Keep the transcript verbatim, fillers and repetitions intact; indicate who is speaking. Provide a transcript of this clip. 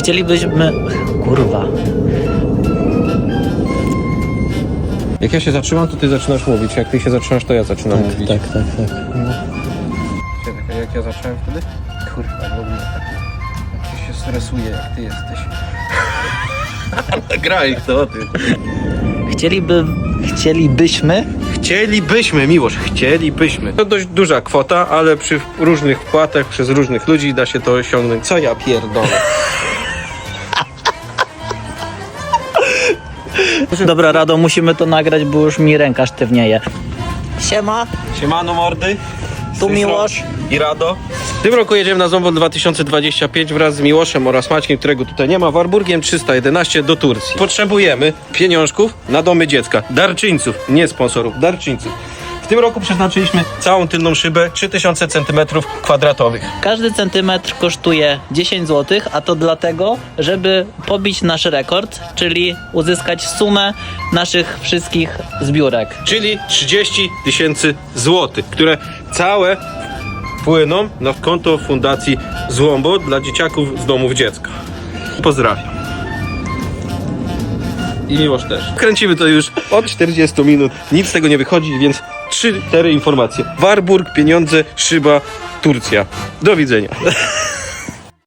Speaker 1: Chcielibyśmy... Kurwa.
Speaker 2: Jak ja się zatrzymam, to ty zaczynasz mówić. Jak ty się zatrzymasz, to ja zaczynam
Speaker 1: Tak,
Speaker 2: mówić.
Speaker 1: tak, tak, tak.
Speaker 2: Jak ja zacząłem wtedy? Kurwa, w ogóle tak. Jak się stresuje, jak ty jesteś. Graj to, ty.
Speaker 1: Chcieliby... Chcielibyśmy...
Speaker 2: Chcielibyśmy, Miłosz, chcielibyśmy. To dość duża kwota, ale przy różnych wpłatach przez różnych ludzi da się to osiągnąć. Co ja pierdolę?
Speaker 1: Dobra, Rado, musimy to nagrać, bo już mi ręka sztywnieje. Siema.
Speaker 2: Siemano mordy. Z
Speaker 1: Tu
Speaker 2: tej
Speaker 1: Miłosz.
Speaker 2: strony I Rado. W tym roku jedziemy na Zombol dwa tysiące dwadzieścia pięć wraz z Miłoszem oraz Maćkiem, którego tutaj nie ma, Warburgiem trzysta jedenaście do Turcji. Potrzebujemy pieniążków na domy dziecka. Darczyńców, nie sponsorów, darczyńców. W tym roku przeznaczyliśmy całą tylną szybę trzy tysiące centymetrów kwadratowych.
Speaker 1: Każdy centymetr kosztuje dziesięć złotych, a to dlatego, żeby pobić nasz rekord, czyli uzyskać sumę naszych wszystkich zbiórek.
Speaker 2: Czyli trzydzieści tysięcy złotych, które całe płyną na konto Fundacji Złombo dla dzieciaków z domów dziecka. Pozdrawiam. I Miłosz też. Kręcimy to już od czterdziestu minut. Nic z tego nie wychodzi, więc trzy, cztery informacje. Warburg, pieniądze, szyba, Turcja. Do widzenia.